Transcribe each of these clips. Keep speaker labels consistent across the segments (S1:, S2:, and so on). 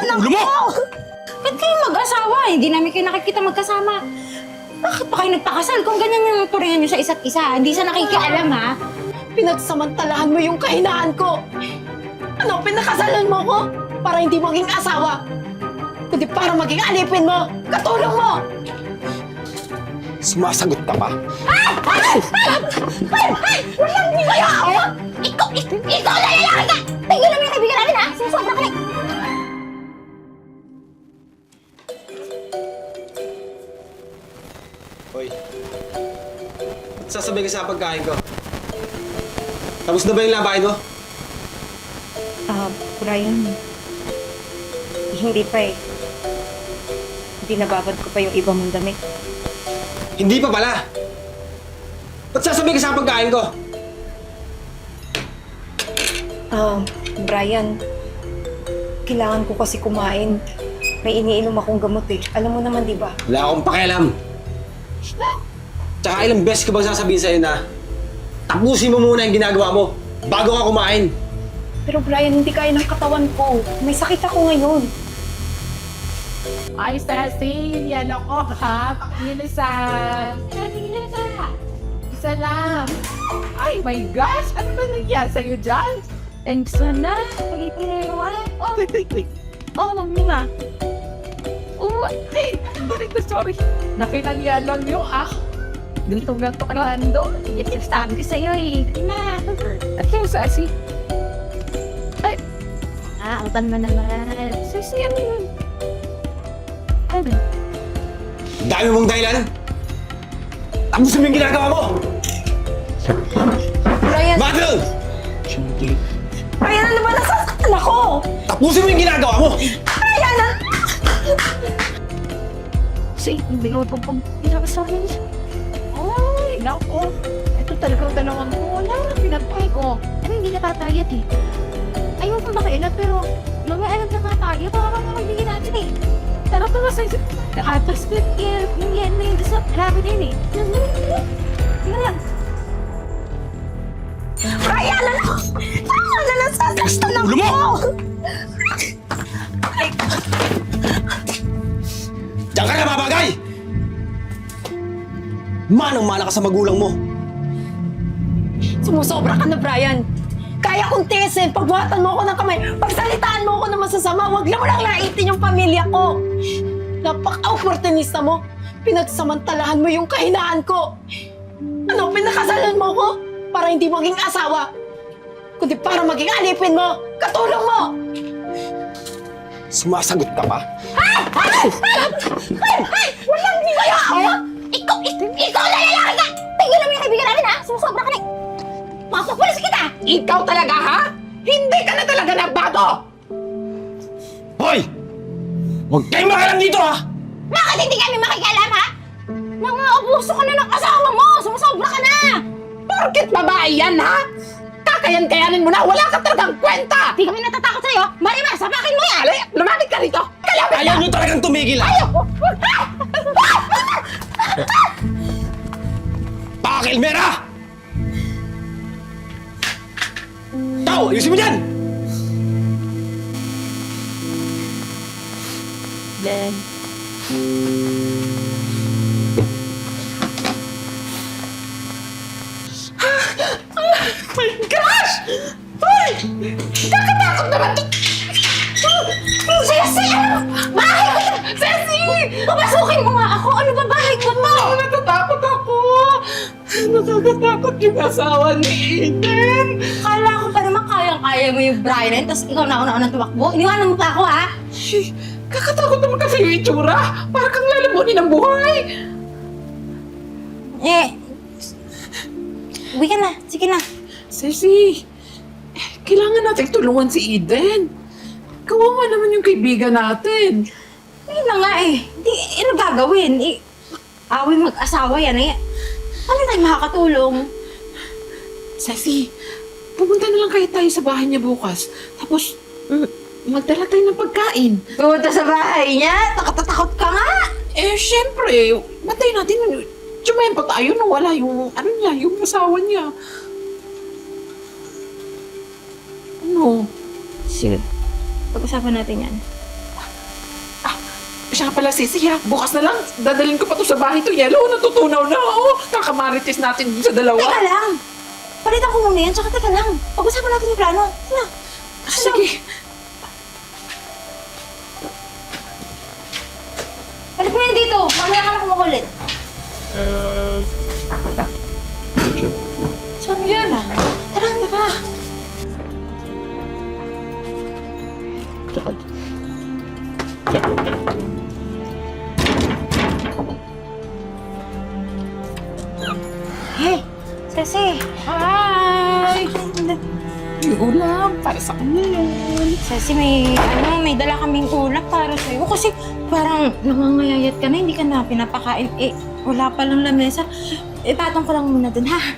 S1: ng
S2: Ulo mo!
S1: Ba't kayo mag-asawa? Hindi namin kayo nakikita magkasama. Bakit pa kayo nagpakasal kung ganyan yung turingan nyo sa isa't isa? Hindi sa nakikialam, ha?
S3: Pinagsamantalahan mo yung kahinaan ko. Ano, pinakasalan mo ko? Para hindi maging asawa. Kundi para maging alipin mo, katulong mo.
S2: Sumasagot ka pa.
S1: Walang hindi kayo ako! Ikaw na lalaki ka! Tingnan naman yung kaibigan namin, ha? Sumusobra ka na!
S2: Hoy. Ba't sasabihin ka sa pagkain ko? Tapos na ba yung labahin mo?
S1: Brian, hindi pa eh. Hindi nababad ko pa yung iba mong damit.
S2: Hindi pa pala. Ba't sasabihin ka sa pagkain ko?
S3: Brian, kailangan ko kasi kumain. May iniinom akong gamot eh. Alam mo naman, di ba?
S2: Wala akong pakialam. Tsaka ilang beses ko bang sasabihin sa'yo na tapusin mo muna yung ginagawa mo bago ka kumain.
S3: Pero Brian, hindi kaya ng katawan ko. May sakit ako ngayon.
S4: Ay, Ceci, yan ako ha. Pakilisan. Isa lang. Ay, my gosh. Ano ba nangyari sa'yo dyan?
S1: Thanks na. Pag-ipinawa.
S4: Oh, mamina. Oh, ay, sorry. Nakinangyan lang yung Ganto-ganto ka lang doon.
S1: Sabi ko sa'yo eh. Na.
S4: At yung Ceci.
S1: Ang tan mo naman.
S4: Ceci, ano yun?
S1: Ano?
S2: Dami mong dahilan. Tapusin mo yung ginagawa mo.
S3: Brian!
S2: Madeline!
S3: Brian, ano ba nasasaktan ako?
S2: Tapusin mo yung ginagawa mo.
S3: Brian!
S1: Say, bigaw po pag pinakasabi niya.
S4: Ay, naku. Ito talagang dalawang ko. Wala na pinagpay ko.
S1: Ano hindi natatayat eh. Ayoko makialat pero lumaialat na tayo. Baka makakabigin natin eh.
S4: Tara pa ba sa'yo?
S1: Tapos yung yan na yung sa rabbit din eh. Tingnan lang.
S3: Brian, ano? Ano nasasaktan ako?
S2: Ulo mo! Diyan ka na babagay! Manang-mana ka sa magulang mo.
S3: Sumusobra ka na, Brian. Kaya kong tiisin, pagbuhatan mo ako ng kamay, pagsalitaan mo ako ng masasama, huwag lang mo lang naitin yung pamilya ko. Napaka-opportunista mo. Pinagsamantalahan mo yung kahinaan ko. Ano, pinakasalan mo ko? Para hindi maging asawa. Kundi para maging alipin mo, katulong mo.
S2: Sumasagot ka pa.
S1: Walang hindi kayo ako! Ikaw na lalaki ka! Tingnan naman yung kaibigan namin, ha? Sumusobra ka na. Mapapulis kita!
S4: Ikaw talaga, ha? Hindi ka na talaga nagbago!
S2: Hoy! Huwag kayong makalam dito, ha!
S1: Bakit hindi kami makikialam, ha? Nang-aabuso ka na ng asawa mo! Sumusobra ka na!
S4: Porket babae yan, ha? Kakayan-kayanin mo na! Wala ka talagang kwenta!
S1: Di kami natatakot sa'yo! Marimar, sapakin mo yan!
S4: Ali, lumapit ka rito! Kalapit
S2: Ayaw nyo talagang tumigil, ha? Pakilmera! Tao, ayusin mo dyan!
S1: Then,
S4: My gosh! Ay! Kakatakot naman to!
S1: Ceci! Bahay ko!
S4: Ceci!
S1: Papasukin mo nga ako! Ano ba bahay ko to?
S4: Natatakot ako! Nakakatakot yung asawa ni Eden!
S1: Kala ko pa naman kayang-kaya mo yung Brian, tapos ikaw na una-unang tumakbo. Iniwanan mo pa ako, ha?
S4: Kakatakot naman kasi yung itsura! Para kang lalamunin ng buhay!
S1: Uwi ka na. Sige na.
S4: Ceci, kailangan natin tulungan si Eden. Kawawa naman yung kaibigan natin.
S1: Ayun na nga eh. Di, ano gagawin? Awin mag-asawa yan eh. Ano tayo makakatulong?
S4: Ceci, pumunta na lang kayo tayo sa bahay niya bukas. Tapos, magdala tayo ng pagkain.
S1: Pumunta sa bahay niya? Takot ka nga!
S4: Eh, syempre, matay natin. Tsumayan pa tayo nung wala yung, yung asawa niya. Ano?
S1: Sige. Pag-usapan natin yan.
S4: Siya pala, Sisi, ha? Bukas na lang, dadalhin ko pa to sa bahay to. Yellow, natutunaw na. Oo, kakamarites natin dun sa dalawa.
S1: Teka lang! Palitan ko muna yan, tsaka teka lang. Pag-usapan natin yung plano. Sige.
S4: Sige.
S1: Balik mo yan dito. Mamaya ka na kumukulit. Saan yan? Tara, tara. Hey, Ceci.
S4: Hi! May ulam para sa kanya yun.
S1: Ceci, may dala kaming ulap para sa'yo. Kasi parang nangangayayat ka na, hindi ka na pinapakain. Eh, wala pa lang lamesa. Ipatong ko lang muna dun, ha?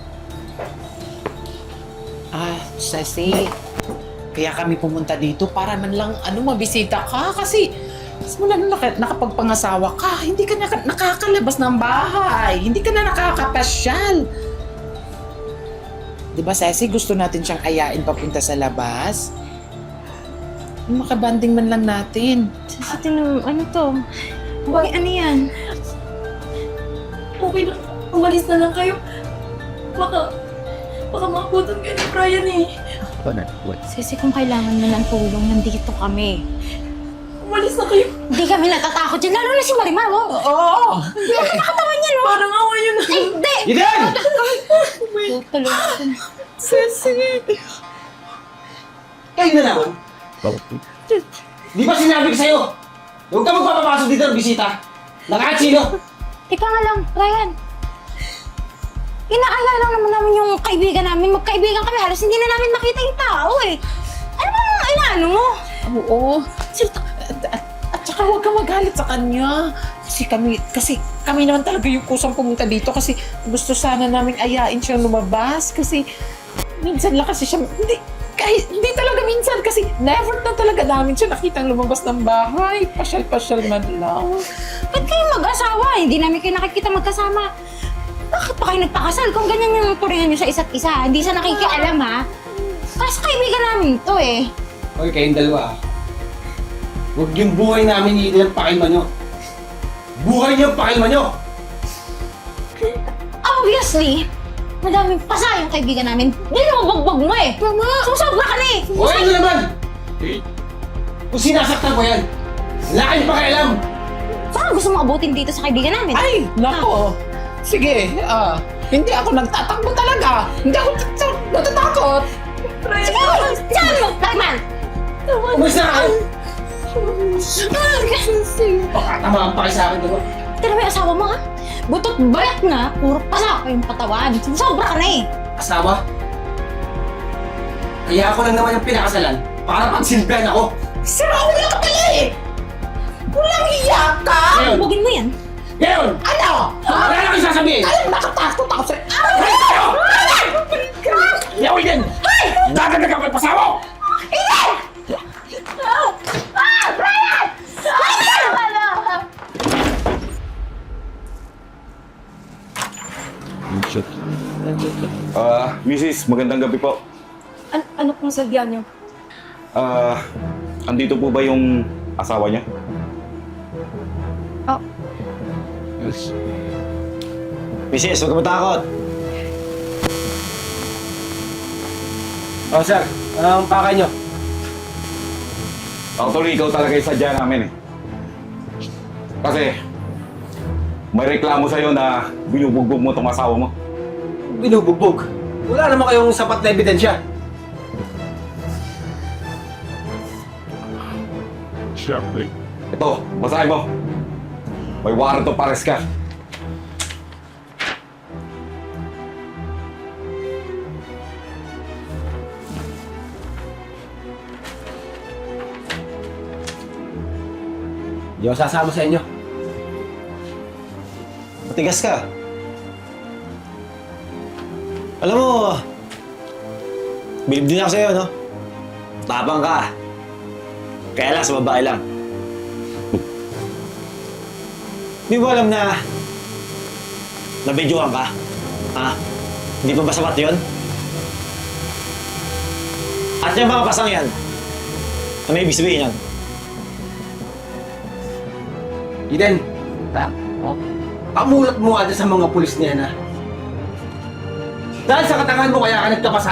S4: Ceci, kaya kami pumunta dito para man lang, mabisita ka. Kasi, simula nung nakapagpangasawa ka, hindi ka nakakalabas ng bahay. Hindi ka na nakakapasyal. Di ba, Ceci, gusto natin siyang ayain papunta sa labas? Makabanding man lang natin.
S1: Ceci, ano to? Okay, ano yan?
S3: Okay na. Umalis na lang kayo. Baka makutan kayo ni Brian eh.
S1: Ceci, kung kailangan mo ng tulong, nandito kami.
S3: Umalis na kayo.
S1: Hindi kami natatakot dyan, lalo na si Marimar, oh.
S4: Oo!
S1: Nakatawan niya, no?
S3: Parang awa yun na.
S1: Ay, hindi!
S2: Eden!
S1: Tuloy.
S3: Ceci.
S2: Kayo na naman. Di ba sinabi ko sa'yo? Huwag ka magpapapasok dito ng bisita. Nakahat sino?
S1: Teka nga lang, Ryan. Inaaya lang naman namin yung kaibigan namin. Magkaibigan kami, halos hindi na namin makita yung tao eh. Ano bang inaano mo?
S4: Oo. At saka huwag ka magalit sa kanya. Kasi kami naman talaga yung kusang pumunta dito kasi gusto sana namin ayain siyang lumabas kasi minsan lang kasi siya, hindi talaga minsan kasi never na talaga namin siya nakitang lumabas ng bahay. Pasyal-pasyal man lang.
S1: Ba't kayo mag-asawa? Hindi namin kayo nakikita magkasama. Bakit pa kayo nagpakasal kung ganyan yung turingan nyo sa isa't isa? Hindi sa nakikialam, ha? Kasi kaibigan namin to eh.
S2: Okay, kayong dalawa. Huwag yung buhay namin iilan pakilma nyo. Buhay niyo pakilma nyo!
S1: Obviously, madaming pasa yung kaibigan namin. Binubugbog mo eh. Mama! Susobra ka na eh.
S2: O ano naman? Kung sinasaktan ko yan, wala kayong pakialam!
S1: Saan gusto mo abutin dito sa kaibigan namin?
S4: Ay, nako. Sige, hindi ako nagtatakbo talaga. Hindi ako natatakot.
S1: Sige! Saan mo, Rayman?
S2: Umalis na kayo! Baka tamaan pa kayo sa akin, diba?
S1: Tira mo yung asawa mo, ha? Butot bayat na, puro pasa pa yung patawan. Sobra ka na eh.
S2: Asawa? Kaya ako lang naman yung pinakasalan para pagsilbihan ako.
S4: Sira ulo ka pala eh! Walang iya ka!
S2: Ngayon!
S1: Bugin mo yan.
S2: Ngayon!
S4: Ano?
S2: Wala na kayo sasabihin!
S4: Alam, nakatakot ako sa'yo.
S2: Ay! Kayo! Yaw yan! Dadadag ako yung pasawa!
S5: Mrs., magandang gabi po.
S3: Ano pong sadya niyo?
S5: Andito po ba yung asawa niya?
S3: Oh.
S5: Yes.
S2: Mrs., huwag ka matakot! Oh, sir. Anong pakay nyo?
S5: Actually, ikaw talaga yung sadya namin eh. Kasi, may reklamo sa'yo na binubugbog mo itong asawa mo.
S2: Binubugbog. Wala naman kayong sapat na ebidensya.
S5: Siyempre. Ito, basahin mo. May warrant of arrest ka.
S2: Hindi ako sasama sa inyo. Matigas ka. Alam mo, bilib din ako sa'yo, no? Tapang ka. Kaya lang, sa babae lang. Di mo alam na nabidyohan ka? Ha? Hindi pa ba sapat yun? At yung mga pasang yan, ano ibig sabihin yan? Eden, pamulat mo nga dyan sa mga pulis niya na. Dahil sa katangahan mo kaya ka nagkapasa.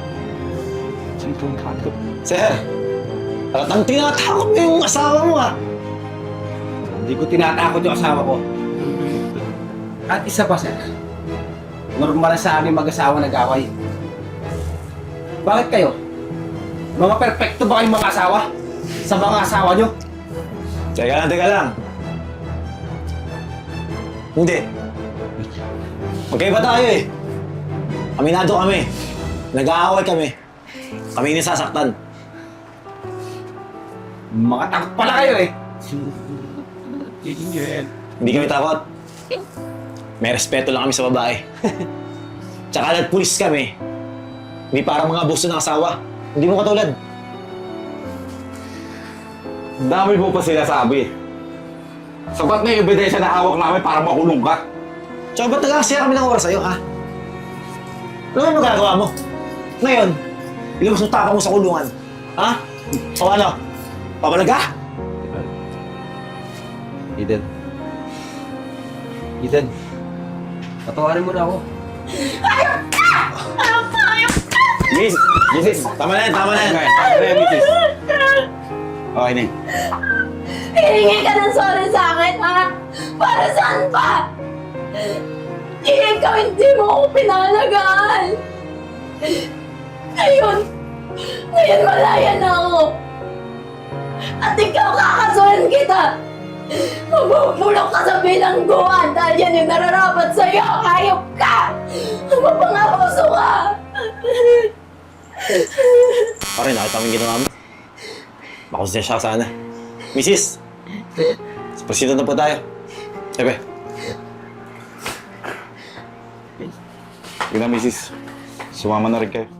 S6: Sir, ang tinatakot mo yung asawa mo ah.
S2: Hindi ko tinatakot yung asawa ko. At isa pa, sir. Normal sa aming mag-asawa nag-away. Bakit kayo? Mga perpekto ba kayong mga asawa? Sa mga asawa nyo?
S6: Teka lang. Hindi. Magkaiba tayo eh. Aminado kami. Nag-aaway kami. Kami yung nasasaktan.
S2: Mga takot pala kayo eh.
S6: Hindi kami takot. May respeto lang kami sa babae. Tsaka nagpulis kami. Hindi parang mga abuso ng asawa. Hindi mo katulad.
S5: Dami mo pa sinasabi. Sapat na yung ebidensya na hawak namin para makulong ka.
S6: Tsaka ba't nag-aksaya kami ng oras sa'yo, ha? Ano yung magagawa mo? Ngayon, ilabas mo tapang mo sa kulungan. Ha? O ano? Papalag ka?
S2: Eden. Eden. Patawarin mo na ako.
S6: Miss! Miss! Tama na yan!
S5: Tama na yan, misis. Okay na.
S3: Hihingi ka ng sorry sa akin, ha? Para saan pa? Ikaw hindi mo ako pinalagaan. Ngayon malaya na ako. At ikaw kakasuhan kita. Mabubulok ka sa bilangguan dahil yan yung nararapat sa'yo. Hayop ka! Mapangabuso ka!
S6: Pare, nakita mo yung ginawa mo. Makonsensya ka sana. Mrs. Proceed na po tayo. Siyempre.
S5: Yun na, misis. Sumama na rin kayo.